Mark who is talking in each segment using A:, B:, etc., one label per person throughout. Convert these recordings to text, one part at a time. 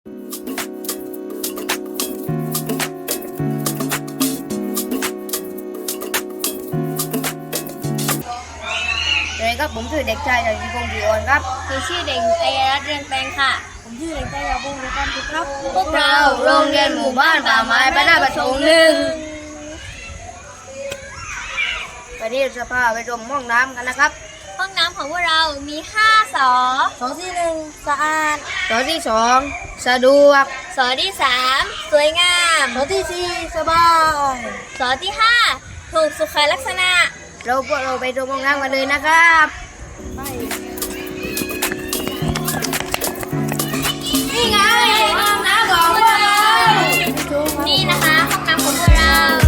A: เลยครับผมชื่อเด็กชายชัยพงศ์ศรีอ่อนครับ
B: ชื่อเด็กหญิงอัยรัตน์เรืองแปลงค่ะ
A: ผมชื่อเด็กชายยาพงศ์ศรีอ่อนครับ
B: พวกเราโรงเรียนหมู่บ้านป่าไม้บ้านนาประสงค์หนึ่ง
A: วันนี้จะพาไปชมห้องน้ำกันนะครับ
B: ห้องน้ำของพวกเรามี5 สอ
A: สอที่1สะอาดสอที่2สะดวก
B: สอที่3สวยงาม
A: สอที่4สบาย
B: สอที่5ถูกสุขลักษณะ
A: พวกเราไปชมห้องน้ำกันเลยนะครับนี่ไงห้องน้ำของพวกเรา
B: นี่นะคะห้องน้ำของพวกเรา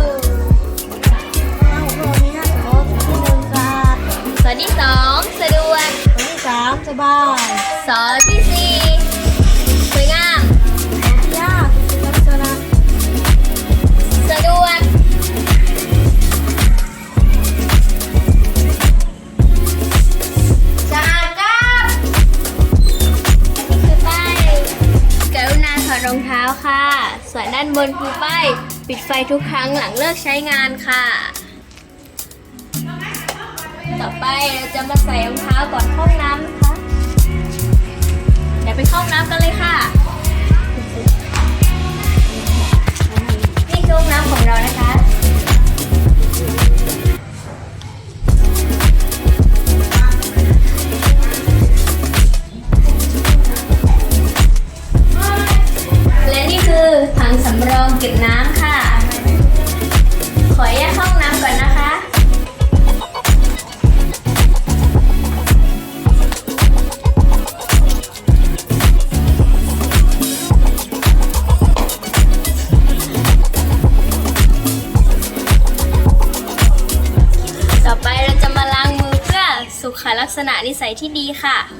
B: สอที่2สะดวก
A: สอที่3สบาย
B: สอที่4สวยงาม
A: ที่5สุขลักษณะ
B: สะดวก
A: สะอาดครับ
B: นี่คือป้ายกรุณาถอดรองเท้าค่ะ ส่วนด้านบนคือป้ายปิดไฟทุกครั้งหลังเลิกใช้งานค่ะ ต่อไปเราจะมาใส่รองเท้าก่อนเข้าห้องน้ำนะคะ เดี๋ยวไปเข้าห้องน้ำกันเลยค่ะ นี่คือห้องน้ำของเรานะคะ และนี่คือถังสำรองเก็บน้ำค่ะ ขอแยกเข้าห้องน้ำก่อนนะคะ ต่อไปเราจะมาล้างมือเพื่อสุขลักษณะนิสัยที่ดีค่ะ